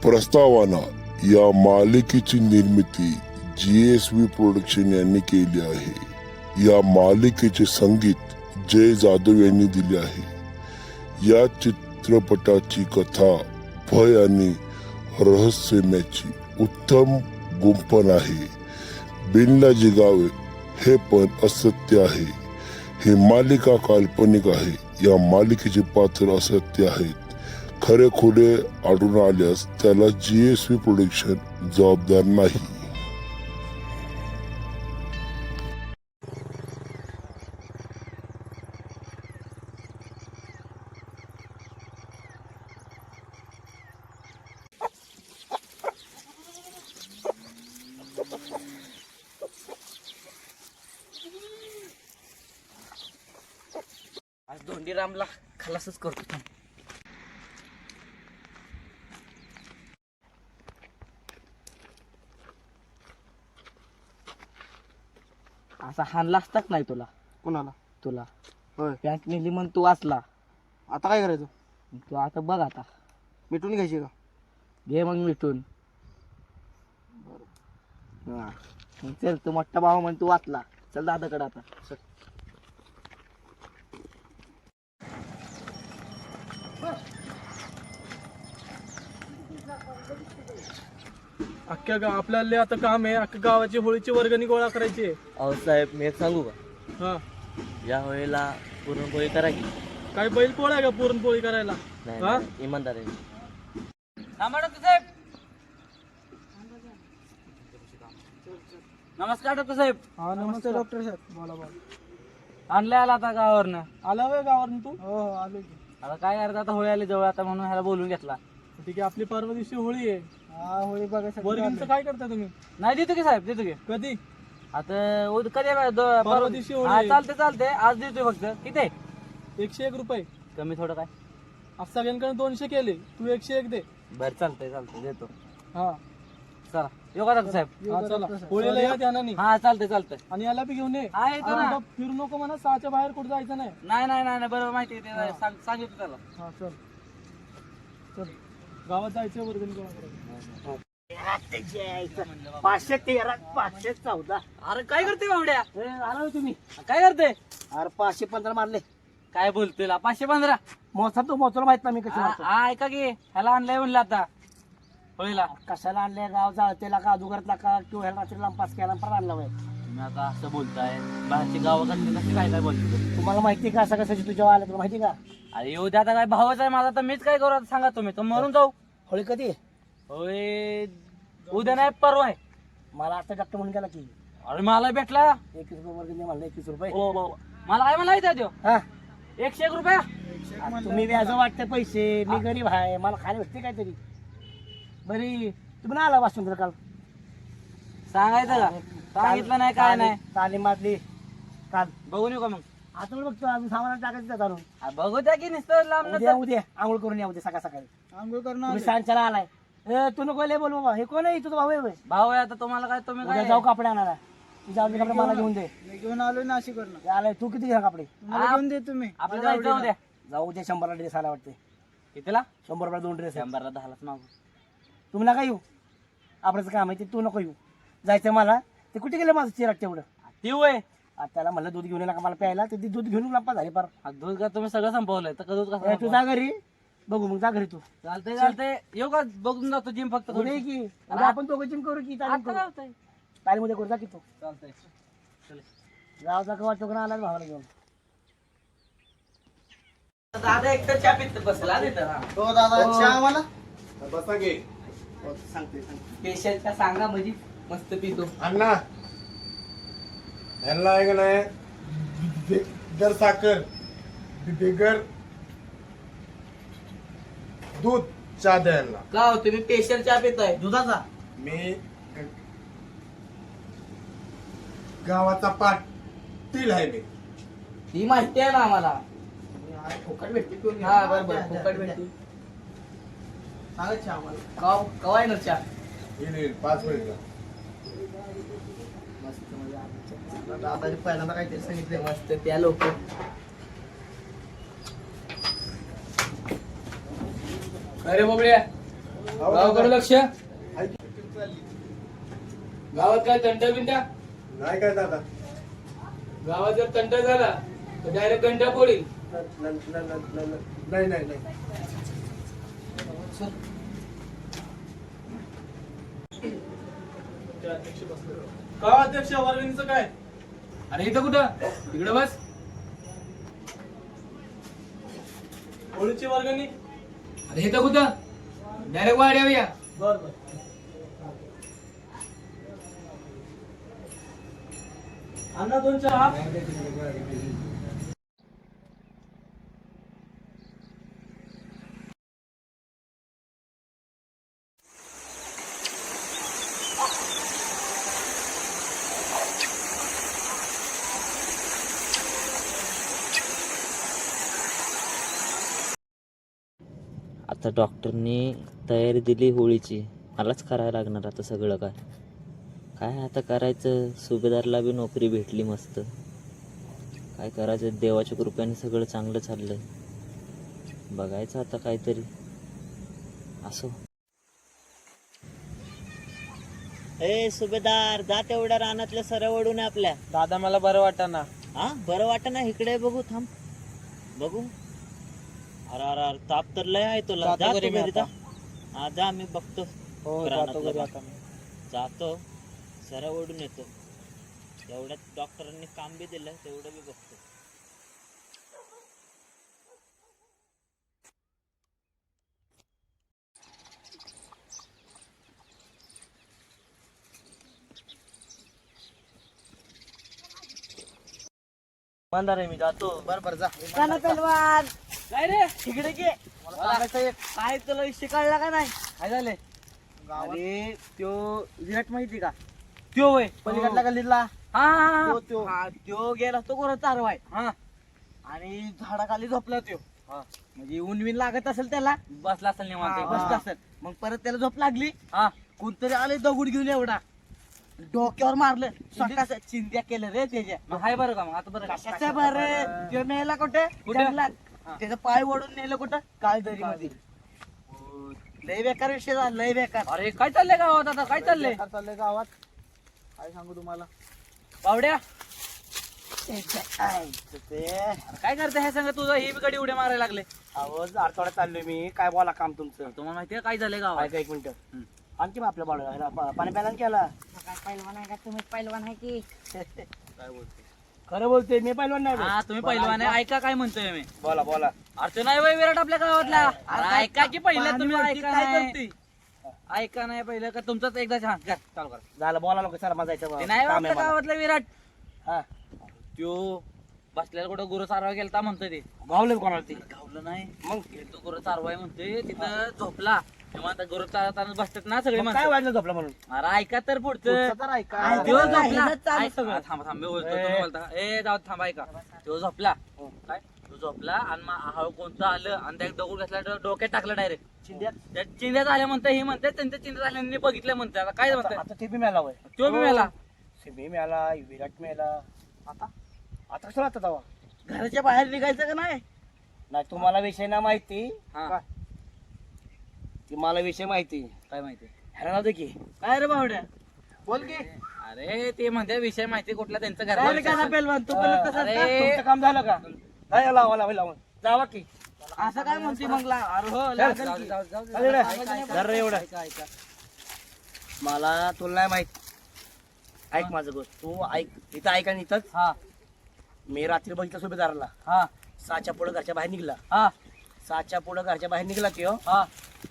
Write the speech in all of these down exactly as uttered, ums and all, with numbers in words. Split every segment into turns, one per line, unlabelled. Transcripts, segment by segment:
प्रस्तावना या मालिकेची निर्मिती जी एस व्ही प्रोडक्शन यांनी केली आहे। या मालिकेचे संगीत जय जाधव यांनी दिले आहे। या चित्रपटाची कथा भय आणि रहस्यमयाची उत्तम गुंफण आहे। बिनला जिगावे हे पण असत्य आहे। ही मालिका काल्पनिक आहे। या मालिकेचे पात्र असत्य आहेत। खरे खोटे आढळून आल्यास त्याला जी एस व्ही प्रोडक्शन जबाबदार नाही।
आज धोंडीरामला खलासच करतो। असा हाणला असताच नाही तुला।
कोणाला?
तुला
होय.
पॅन्ट नेली म्हणून तू वाचला।
आता काय करायचं?
तू आता बघ आता
मिटून घ्यायची का?
घे मग मिटून। हा मग चल, तू मोठा भाऊ म्हणून तू वाचला। चल दादाकडे आता चल।
अख्ख्या गाव आपल्याला आता काम आहे। अख्ख्या गावाची होळीची वर्गणी गोळा करायची आहे।
अहो साहेब, मी एक सांगू का?
हा,
या वेळेला पुरणपोळी करा की.
काय बैल पोळा आहे का पुरणपोळी करायला?
नाही
हा?
नाही, इमानदार आहे.
नमस्कार डॉक्टर साहेब।
हा नमस्ते डॉक्टर साहेब, बोला बोला।
आणले आला आता गावावरनं?
आला होय गावावरून तू? हो हो आलो की।
आता काय करता, आता होळी आली जवळ आता म्हणून ह्याला बोलून घेतला।
ठीक आहे, आपली परवा दिवशी होळी आहे।
हा होळी बघायसाठी
वर्गणीचं काय करता तुम्ही?
नाही देतो की साहेब, देतो की।
कधी?
आता उद- कधी आहे? दो- परवा
दिवशी होळी
हा,
आहे.
चालते चालते, आज देतोय फक्त। किती आहे?
एकशे एक रुपये।
कमी थोडं काय?
आज सगळ्यांकडे दोनशे केले, तू एकशे एक दे।
बरं चालतंय चालतंय, देतो।
हा
चला येऊ का डॉक्टर साहेब?
हा चला, होळीला या ध्यानाने।
हा चालतंय चालतंय।
आणि याला बी घेऊन ये।
हा येतो ना।
आता फिरू नको म्हणा, सहाच्या बाहेर कुठं जायचं नाही।
नाही नाही नाही नाही, बरोबर माहिती आहे ते, सांग- सांगितलं त्याला।
हा चल चल, गावात जायचं वर्गणी गोळा करायला।
पाचशे तेरा पाचशे चौदा
अरे काय करते बावड्या?
आला तुम्ही?
काय करते?
अरे पाचशे पंधरा मारले।
काय बोलतोय ला? पाचशे पंधरा?
मोसा तू मोचला माहित नाही मी कशी मारतो।
हा, ऐका की, ह्याला आणलंय म्हणलं आता होळीला।
कशाला आणले? गाव जाळतेला का अधुगरतला का किंवा ह्याला रात्री लांपास केला परत आणला होय?
तुम्ही आता असं बोलताय, बाहेरची गावाकडली नक्की काय काय बोलतो?
तुम्हाला माहिती का असं कशाची तुझ्या आलं तुला माहिती का?
अरे येऊ द्या, आता काय भावच आहे माझा, तर मीच काय करू आता सांगा तुम्ही? तर मरून जाऊ?
होळी कधी आहे?
होय उद्या नाही, परवा आहे।
मला आता डॉक्टर म्हणून गेला की
अरे मला भेटला
एकवीस रुपये वर्ग दे म्हणलं एकवीस रुपये।
ओ बाबा. मला काय म्हणायचं आहे त्यो?
हा
एकशे एक रुपया?
तुम्ही व्याज वाटतं पैसे, मी गरीब आहे, मला खाली भेटते काहीतरी। बरी तुम्ही नाही आला वाचून काल?
सांगायचं का? सांगितलं नाही काय नाही।
तालीम मारली काल।
बघून येऊ का मग?
आता बघतो अजून सामान टाकायचं त्या घालून।
आ, बघू द्या की नुसतं लांब
उद्या
नंतर.
उद्या आंघोळ करून या उद्या सकाळ सकाळी।
आंघोळ करणं
तुम्ही सांच्याला आलाय? ए तू नको लय बोल बाबा, हे कोण आहे? तुझा भाऊ आहे होय?
भाऊ आहे आता, तुम्हाला काय, तुम्ही
उद्या
काय?
जाऊ कपडे आणायला। तुझ्या आवडीचे कपडे मला घेऊन दे।
मी घेऊन आलो नाशिक वरनं।
आलाय तू किती घ्या कपडे?
मला घेऊन दे तुम्ही।
आपल्याला जायचं उद्या।
जाऊ उद्या शंभरला ड्रेस आला वाटते।
कितीला?
शंभर रुपये दोन ड्रेस।
शंभरला दहालाच मागू।
तुम्ही नका येऊ, आपल्याचं काम आहे ते, तू नको येऊ। जायचं मला, ते कुठे गेलं माझं चिराट तेवढं?
ती वय
आता त्याला म्हणलं दूध घेऊन ये नका मला प्यायला, ते दूध घेऊन लंपा झाली पार।
दूध का तुम्ही सगळं संपवलंय, तर का दूध कसं
ए, तू जा घरी, बघू मग जा घरी तू।
चालतंय चालतंय, येऊ का? बघून जातो जिम फक्त
उद्या ये की उद्या आपण दोघं जिम करू की तालीम
आता
करू?
लावतंय.
तालीम उद्या करू जा की तू।
चालतंय चल.
जाऊ जा का वाटतो का आला भावाला घेऊन?
दादा एकटं चहा पित बसला तिथं. हा.
हो दादा चहा मला
बसा गे
सांगते
पेशंट का सांगा म्हणजे मस्त पितो.
अण्णा ह्यांना आहे का नाही बिगर साखर बिगर दूध चहा द्या यांना.
का हो, तुम्ही पेशंट चहा पिताय दुधाचा?
मी गावाचा पाटील आहे मी.
ही माहिती आहे ना आम्हाला.
फुकट भेटते पिऊन घे.
हा बरोबर, फुकट भेटते.
सांगा चहा मला.
का कवा येणार चहा?
येईल येईल पाच मिनिटला.
मस्त म्हणजे
दादाने पहिल्यांदा काहीतरी सांगितलं.
मस्त त्या लोक. अरे बाबड्या
गावाकडे लक्ष. गावात काय तंटा बिंटा
नाही काय दादा
गावात जर तंटा झाला तर डायरेक्ट घंटा पडेल.
नाही नाही नाही
का अध्यक्ष वर्गणीचं काय?
अरे इथं कुठं इकडे बस.
होळीची वर्गणी.
अरे इथं कुठं डायरेक्ट वाड्यावर या.
बर बर. अण्णा दोन चहा.
आता डॉक्टरनी तयारी दिली होळीची, मलाच करायला लागणार आता सगळं. काय काय आता करायचं, सुभेदारला बी नोकरी भेटली मस्त. काय करायचं, देवाच्या कृपेने सगळं चांगलं चाललंय. बघायचं आता काहीतरी असो. ए सुभेदार, जा तेवढ्या रानातल्या सऱ्या ओढून आपल्या.
दादा मला बरं वाटतं ना.
हा बरं वाटत ना, इकडे बघू, थांब बघू. अरे अरे अरे, ताप तर लय आहे तुला.
जातो
जा
घरी
तू
मी
घरी
आता.
जा. हा जा, मी बघतो.
हो जातो
रानातलं
घरी
बघ.
आता मी.
जातो, सऱ्या ओढून येतो. तेवढ्यात डॉक्टरांनी काम बी दिलं, तेवढं बी बघतो.
मानदार आहे मी, जातो.
बर बर जा.
चला पहलवान,
काय रे
तिकडे घे. मला सांगायचं एक. काय तुला विषय कळला का नाही?
काय झाले?
अरे त्यो विराट माहिती का? त्यो वय पलीकडला गल्लीतला.
हा हा
तो त्यो हा, त्यो गेला तो कोणा चारवाय
हा
आणि झाडाखाली झोपला त्यो.
हा.
म्हणजे ऊन विन लागत असेल त्याला,
बसला असेल निवांत.
बसत असेल. मग परत त्याला झोप लागली.
हा
कोणतरी आले दगड घेऊन एवढा, डोक्यावर मारलं. स्वतः चिंध्या केलं रे त्याच्या.
मग हाय बरं का? मग आता बरं का?
कशाच्या बरं, त्यो नेला कुठे?
कुठे?
जंगलात.
हा.
त्याचा पाय ओढून नेलं कुठं? काळदरी मध्ये. लय बेकार विषय झाला, लय बेकार.
अरे काय चाललंय गावात आता? काय चाललंय
चाललंय गावात, काय सांगू तुम्हाला.
बावड्या?
ते
काय करते हे सांगा, तुझं ही बिकडी उड्या मारायला लागले.
आवाज आठवड्यात चाललोय मी. काय बोला काम तुमचं?
तुम्हाला माहितीये काय झालंय गावात?
ऐका एक मिनिट. आणखी मग आपल्या बाळा पाणी प्यायला केला.
पहिलवान आहे का तुम्ही? पहिलवान आहे की
काय बोलते?
खरं बोलते मी पहिलवान नाही.
हा तुम्ही पहिलवान आहे. ऐका काय म्हणतोय मी.
बोला बोला.
अरे तो नाही वय विराट आपल्या गावातला. अरे ऐका की पहिलं तुम्ही. ऐका
काय
नाही.
करते?
ऐका नाही पहिलं का तुमचाच एकदा हा घ्या, चालू करा.
झालं बोला लोक सर माझा
ते नाही
काम
आपल्या
आहे मला.
गावातला विराट.
हा.
त्यो बसल्याला कुठं गुरु चारवा गेलता म्हणतोय ते.
गावलं कोणाला ते?
गावलं नाही.
मग
तो गुरु चारवाय म्हणतोय, तिथं झोपला. तेव्हा आता गुरु चारताना बसतात ना सगळे
मग काय
म्हणतात.
वाजलं झोपला म्हणून?
अरे ऐका तर पुढचं.
पुढचं तर ऐका.
त्यो
ऐका.
झोपला.
ऐकत चालू
ऐक-
सगळं.
हा, थांबा थांबा मी बोलतो,
ए.
तुम्ही बोलता. ए जाऊ दे, थांबा ऐका. तो झोपला. काय तो झोपला आणि मग हळू कोणतं आलं आणि त्या दगड घातला, डो- डोक्यात टाकलं डायरेक्ट.
चिंध्यात.
त्या चिंध्या झाल्या म्हणतात, हे म्हणतात त्यांच्या चिंध्या झाल्याने बघितलं म्हणतात. आता काय म्हणतात?
आता ते बी मिळाला वय.
तो बी मेला.
मी मिळाला, विराट मिळाला. आता आता कसं आता तवा घराच्या बाहेर निघायचं का नाही? नाही तुम्हाला विषय ना माहिती.
हा.
का? ती मला विषय माहिती.
काय माहिती?
ह्याला दे की.
काय रे बावड्या?
बोल की.
अरे ते म्हणते विषय माहिती कुठला त्यांचं
काय रे
घर.
का पेलवान तू पण तसंच का?
अरे.
तुमचं काम झालं का? नाही लावा लावा लावा. जावा की.
असं काय म्हणते मग ला- अरे हो
चल.
लागेल की.
अरे रे, धर रे एवढं.
ऐका, ऐका.
मला तुला नाही माहित. ऐक माझं गोष्ट तू ऐक. इथं ऐक आणि इथंच.
हा
मी रात्री बघितलं सुभेदाराला.
हा
सहाच्या पुढे घरच्या बाहेर निघला.
हा
सहाच्या पुढे घरच्या बाहेर निघला की हो.
हा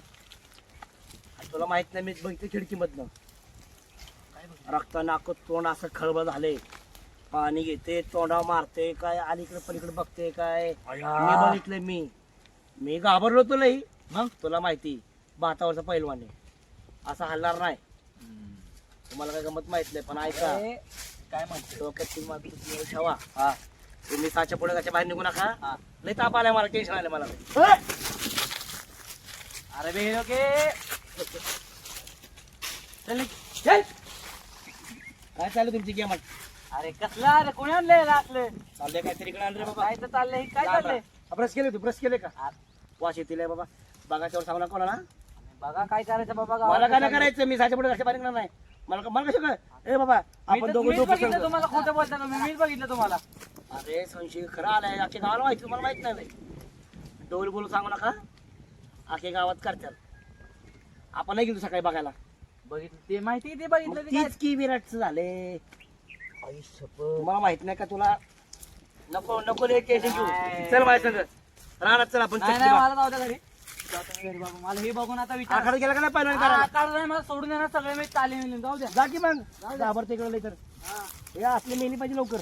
तुला माहित नाही मी बघितलं खिडकीमधनं. रक्त नाक तोंड असं खळबळ झाले. पाणी घेते तोंडावर मारते काय, अलीकडे पलीकडे बघते काय. मी बघितलंय. मी मी घाबरलो तुलाही. मग तुला माहिती भातावरचा पैलवान आहे, असा हलणार नाही. तुम्हाला काय गमत माहित नाही पण ऐका.
अरे, काय म्हणते?
डोक्यात तुम्ही तुम्ही ठेवा.
हा
तुम्ही साच्या पुढे घरच्या बाहेर निघू नका.
हा.
लय ताप आलाय मला, टेन्शन आलं मला.
अरे बे ओके. चल चल.
काय चालू तुमची गेम?
अरे कसला? अरे कोणी आणलंय असलं?
चाललंय काहीतरी इकडे आणलं बाबा.
काय तर चाललंय? काय चाललंय?
ब्रश केले तू ब्रश केले का? वाश येतील बाबा. बघाच्यावर सांगू नका कोणाला.
बघा काय करायचं बाबा
मला
गावात.
काय नाही करायचं, मी साच्या पुढे लक्ष पाहिजे नाही. मला का- मला कसं काय ए बाबा
मी
आपण
तर-
दोघं
मीच
दोघं
बघितलं
संग.
तुम्हाला खोटं बोलताना मी मीच बघितलं तुम्हाला.
अरे संशय खरं आलाय, अख्ख्या गावाला माहिती, तुम्हाला माहित नाही डोल बोलून सांगू नका, अख्ख्या गावात करतात. आपण नाही गेलो सकाळी बघायला,
बघितलं ते माहिती ते
मग
बघितलं ते काय.
तीच की विराटचं झाले. तुम्हाला माहित नाही का तुला नको नको रे टेन्शन घेऊ. चल माझ्या संग राहणार, चल आपण
नाही
चटणी
नाही
बा-
मला जाऊ द्या घरी. जातो मी घरी बाबा. मला हे बघून आता विचार
आखाडा गेला का नाही पहिला
हा,
करायला?
आता नाही मला सोडून देणार सगळे मी तालीम जाऊ द्या.
जा की मग घाबरते इकडे लई तर हे असले मेली पाहिजे लवकर.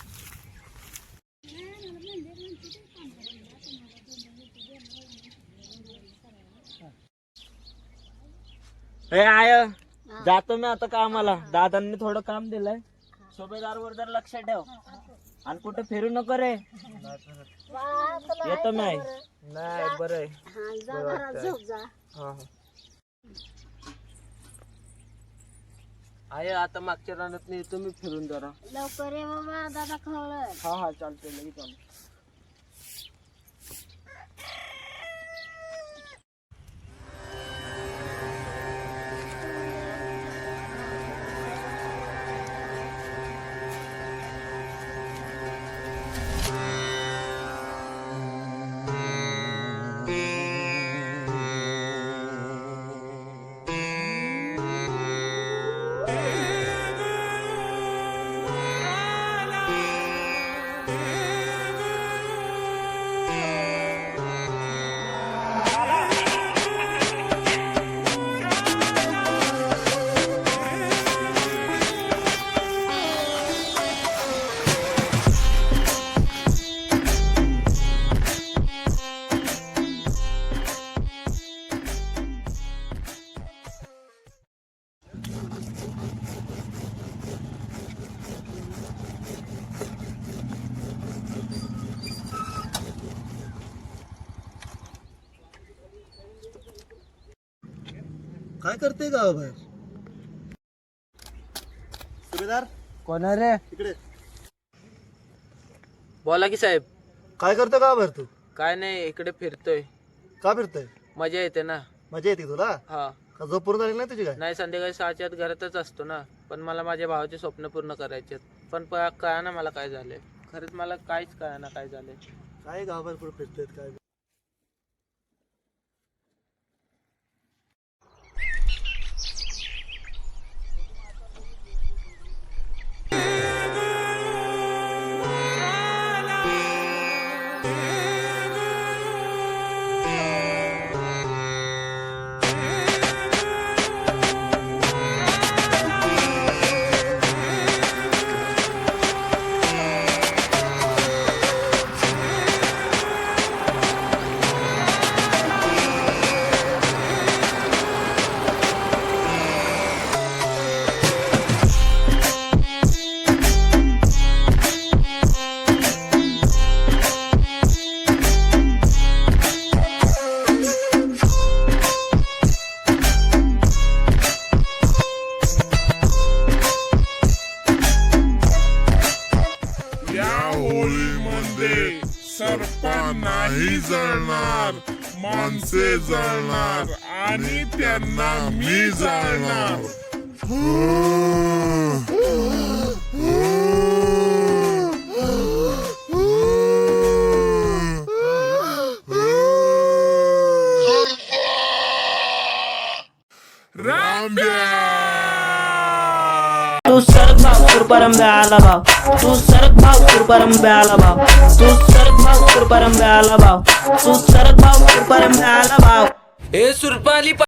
हे आय जातो मी आता कामाला. दादांनी थोडं काम दिलंय. सुभेदार वर जर लक्ष ठेव आणि कुठे फिरू नको रे. येतो मी. नाही बरं आहे.
आहे आता मागच्या रानात नाही तुम्ही फिरून जरा.
लवकर ये बाबा, दादा खवळ.
हा हा चालतंय लगेच आलो.
काय करते गावाबाहेर? सुभेदार
कोण आहे रे?
इकडे
बोला की साहेब.
काय करतो गावाबाहेर तू?
काय नाही इकडे फिरतोय.
का फिरतोय?
मजा येते ना.
मजा येते तुला?
हा
का झोप पूर्ण झाली नाही तुझी काय?
नाही संध्याकाळी सहाच्या आत घरातच असतो ना. पण मला माझ्या भावाचे स्वप्न पूर्ण करायचे आहेत. पण कळा ना मला काय झालंय. खरंच मला काहीच कळा ना काय झालंय.
काय गावाबाहेर कुठे फिरतोय काय?
सर्पा नाही जळणार, माणसे जळणार आणि त्यांना मी जाळणार.
तू सरक भाव कुरपरंब्या आला भाव. तू सरक भाव कुरपरंब्या आला भाव. तू सरक भाव कुरपरंब्या आला भाव. तू सरक भाव कुरपरंब्या आला भाव.
हे सुरपाली